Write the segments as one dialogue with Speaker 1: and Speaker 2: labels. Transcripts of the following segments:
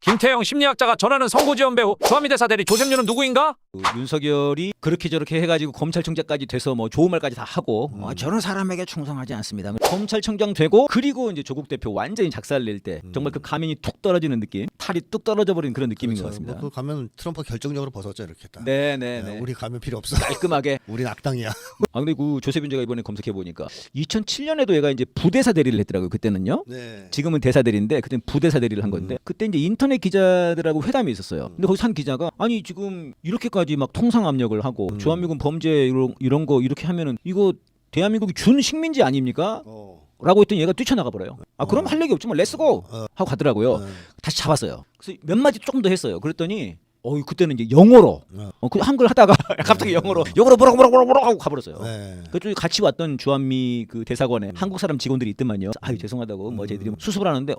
Speaker 1: 김태형 심리학자가 전하는 선고지원 배우 주한미 대사 대리 조셉류는 누구인가?
Speaker 2: 윤석열이 그렇게 저렇게 해가지고 검찰총장까지 돼서 뭐 좋은 말까지 다 하고 저런 사람에게 충성하지 않습니다. 검찰총장 되고 그리고 이제 조국 대표 완전히 작살낼 때 정말 그 가면이 툭 떨어지는 느낌, 탈이 뚝 떨어져 버리는 그런 느낌인
Speaker 3: 그렇죠.
Speaker 2: 것 같습니다.
Speaker 3: 뭐 그 가면 트럼프 결정적으로 벗었죠 이렇게 딱.
Speaker 2: 네네네.
Speaker 3: 우리 가면 필요 없어.
Speaker 2: 깔끔하게.
Speaker 3: 우린 악당이야.
Speaker 2: 아 근데 그 조세빈 제가 이번에 검색해 보니까 2007년에도 얘가 이제 부대사 대리를 했더라고요. 그때는요.
Speaker 3: 네.
Speaker 2: 지금은 대사 대리인데 그때는 부대사 대리를 한 건데 그때 이제 인터넷 기자들하고 회담이 있었어요. 근데 거기서 한 기자가 아니 지금 이렇게까지 막 통상 압력을 하고 주한미군 범죄 이런 거 이렇게 하면은 이거 대한민국이 준 식민지 아닙니까? 라고 했더니 얘가 뛰쳐나가 버려요. 아 그럼 할 얘기 없지만 렛츠고 하고 가더라고요. 다시 잡았어요. 그래서 몇 마디 조금 더 했어요. 그랬더니 그때는 이제 영어로 그 한글 하다가 갑자기 영어로 뭐라고 하고 가버렸어요.
Speaker 3: 네.
Speaker 2: 그쪽에 같이 왔던 주한미 그 대사관에 한국 사람 직원들이 있더만요. 아유 죄송하다고 뭐 저희들이 수습을 하는데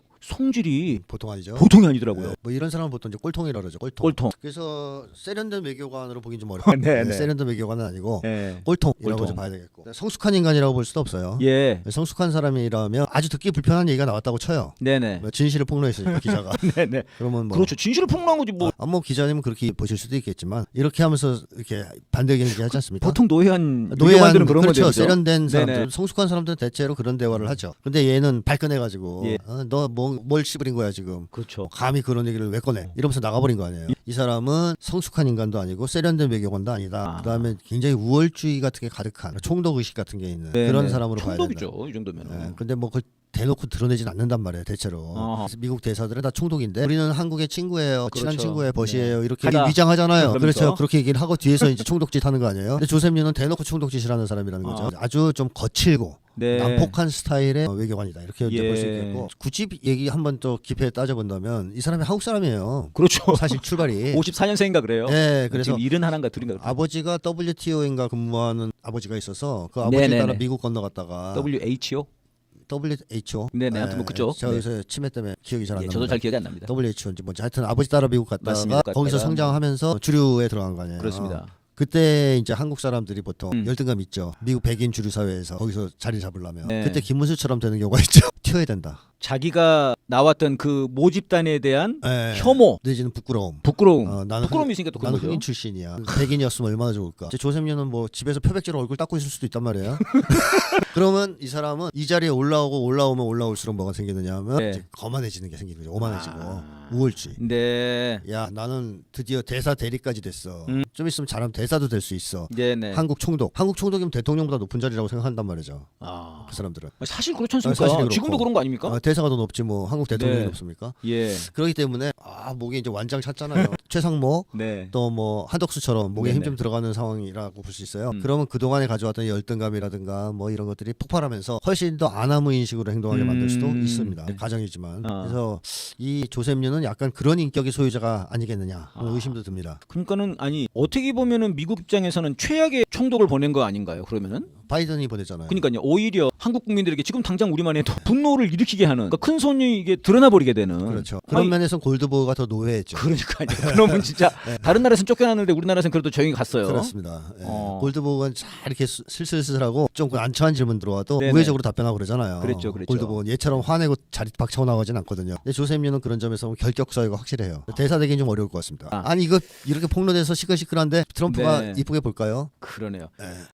Speaker 2: 성질이
Speaker 3: 보통 아니죠.
Speaker 2: 보통이 아니더라고요.
Speaker 3: 네. 뭐 이런 사람은 보통 이제 꼴통이라 그러죠.
Speaker 2: 꼴통.
Speaker 3: 그래서 세련된 외교관으로 보긴 좀 어려워요.
Speaker 2: 네, 네.
Speaker 3: 세련된 외교관은 아니고
Speaker 2: 예.
Speaker 3: 꼴통이라고
Speaker 2: 꼴통.
Speaker 3: 좀 봐야 되겠고. 성숙한 인간이라고 볼 수도 없어요.
Speaker 2: 예.
Speaker 3: 성숙한 사람이라면 아주 듣기 불편한 얘기가 나왔다고 쳐요.
Speaker 2: 네네.
Speaker 3: 뭐 진실을 폭로했으니까 기자가.
Speaker 2: 네네.
Speaker 3: 그러면 뭐
Speaker 2: 그렇죠. 진실을 폭로한 거지 뭐.
Speaker 3: 뭐 기자님은 그렇게 보실 수도 있겠지만 이렇게 하면서 이렇게 반대 의견 얘기하지 않습니까?
Speaker 2: 보통 노예한
Speaker 3: 노예한
Speaker 2: 외교관들은 그런
Speaker 3: 그렇죠.
Speaker 2: 거죠.
Speaker 3: 세련된 사람들,
Speaker 2: 네네.
Speaker 3: 성숙한 사람들은 대체로 그런 대화를 하죠. 근데 얘는 발끈해가지고
Speaker 2: 예.
Speaker 3: 너 뭘 씹으린 거야 지금?
Speaker 2: 그렇죠.
Speaker 3: 감히 그런 얘기를 왜 꺼내? 이러면서 나가버린 거 아니에요. 이 사람은 성숙한 인간도 아니고 세련된 외교관도 아니다. 그다음에 굉장히 우월주의 같은 게 가득한 총독 의식 같은 게 있는
Speaker 2: 네네.
Speaker 3: 그런 사람으로 봐야 된다.
Speaker 2: 총독이죠. 이 정도면은.
Speaker 3: 네, 근데 뭐 그걸 대놓고 드러내진 않는단 말이에요 대체로. 그래서 미국 대사들은 다 총독인데 우리는 한국의 친구예요, 친한
Speaker 2: 그렇죠.
Speaker 3: 친구예요, 벗이에요 이렇게
Speaker 2: 하다.
Speaker 3: 위장하잖아요.
Speaker 2: 그러면서.
Speaker 3: 그렇죠. 그렇게 얘기를 하고 뒤에서 이제 총독짓 하는 거 아니에요. 근데 조셉류는 대놓고 총독짓을 하는 사람이라는 거죠. 아주 좀 거칠고
Speaker 2: 네.
Speaker 3: 난폭한 스타일의 외교관이다 이렇게 이제
Speaker 2: 예.
Speaker 3: 볼 수 있겠고, 굳이 얘기 한번 또 깊이 따져본다면 이 사람이 한국 사람이에요.
Speaker 2: 그렇죠.
Speaker 3: 사실 출발이.
Speaker 2: 54년생인가 그래요.
Speaker 3: 네, 그래서
Speaker 2: 지금 71인가 둘인가.
Speaker 3: 아버지가 WTO인가 근무하는 아버지가 있어서 그 아버지
Speaker 2: 네네네.
Speaker 3: 따라 미국 건너갔다가
Speaker 2: WHO?
Speaker 3: WHO.
Speaker 2: 네네, 하여튼 뭐 그쪽.
Speaker 3: 저 요새 치매 때문에 기억이 잘 안
Speaker 2: 예,
Speaker 3: 납니다.
Speaker 2: 저도 잘 기억이 안 납니다.
Speaker 3: WHO인지 뭔지 하여튼 아버지 따라 미국 갔다가
Speaker 2: 맞습니다.
Speaker 3: 거기서
Speaker 2: 갔다가.
Speaker 3: 성장하면서 주류에 들어간 거 아니에요.
Speaker 2: 그렇습니다.
Speaker 3: 그때 이제 한국 사람들이 보통
Speaker 2: 음.
Speaker 3: 열등감 있죠. 미국 백인 주류 사회에서 거기서 자리 잡으려면
Speaker 2: 네.
Speaker 3: 그때 김문수처럼 되는 경우가 있죠. 튀어야 된다.
Speaker 2: 자기가 나왔던 그 모집단에 대한
Speaker 3: 네.
Speaker 2: 혐오,
Speaker 3: 내지는 부끄러움.
Speaker 2: 부끄러움.
Speaker 3: 나는
Speaker 2: 부끄러움이 있으니까 또 그런
Speaker 3: 나는
Speaker 2: 거죠.
Speaker 3: 흑인 출신이야. 백인이었으면 얼마나 좋을까. 이제 조셉류는 뭐 집에서 표백제로 얼굴 닦고 있을 수도 있단 말이에요. 그러면 이 사람은 이 자리에 올라오면 올라올수록 뭐가 생기느냐 하면
Speaker 2: 네.
Speaker 3: 이제 거만해지는 게 생기는 거죠. 오만해지고 우월주의.
Speaker 2: 네.
Speaker 3: 야 나는 드디어 대사 대리까지 됐어. 좀 있으면 잘하면 대사도 될 수 있어.
Speaker 2: 네네.
Speaker 3: 한국 총독이면 대통령보다 높은 자리라고 생각한단 말이죠.
Speaker 2: 아.
Speaker 3: 그 사람들은.
Speaker 2: 사실 그렇지 않습니까?
Speaker 3: 사실이 그렇고.
Speaker 2: 지금도 그런 거 아닙니까?
Speaker 3: 대사가 더 높지 뭐 한국 대통령이
Speaker 2: 네.
Speaker 3: 높습니까?
Speaker 2: 예.
Speaker 3: 그렇기 때문에 목에 이제 완장 찼잖아요. 최상목
Speaker 2: 네.
Speaker 3: 또 뭐 한덕수처럼 목에 힘
Speaker 2: 네네.
Speaker 3: 좀 들어가는 상황이라고 볼 수 있어요. 그러면 그동안에 가져왔던 열등감이라든가 뭐 이런 것들이 폭발하면서 훨씬 더 아나무인식으로 행동하게 만들 수도 있습니다. 가정이지만. 그래서 이 조셉류는 약간 그런 인격의 소유자가 아니겠느냐 하는 의심도 듭니다.
Speaker 2: 그러니까는 아니 어떻게 보면은 미국 입장에서는 최악의 총독을 보낸 거 아닌가요? 그러면은?
Speaker 3: 바이든이 보냈잖아요.
Speaker 2: 그러니까요. 오히려 한국 국민들에게 지금 당장 우리만 해도 분노를 일으키게 하는 그러니까 큰 손이 이게 드러나 버리게 되는.
Speaker 3: 그렇죠. 그런 면에서 골드보어가 더 노예했죠.
Speaker 2: 그러니까요. 그러면 진짜 다른 나라에서는 쫓겨났는데 우리나라에서는 그래도 조용히 갔어요.
Speaker 3: 그렇습니다. 예. 골드보어는 잘 이렇게 슬슬슬하고 좀 난처한 질문 들어와도
Speaker 2: 네네.
Speaker 3: 우회적으로 답변하고 그러잖아요.
Speaker 2: 그랬죠.
Speaker 3: 골드보어는 얘처럼 화내고 자리 박차고 나가진 않거든요. 근데 조셉류는 그런 점에서 결격 사유가 확실해요. 대사되기는 좀 어려울 것 같습니다. 아니 이거 이렇게 폭로돼서 시끌시끌한데 트럼프가
Speaker 2: 네.
Speaker 3: 이쁘게 볼까요?
Speaker 2: 그러네요.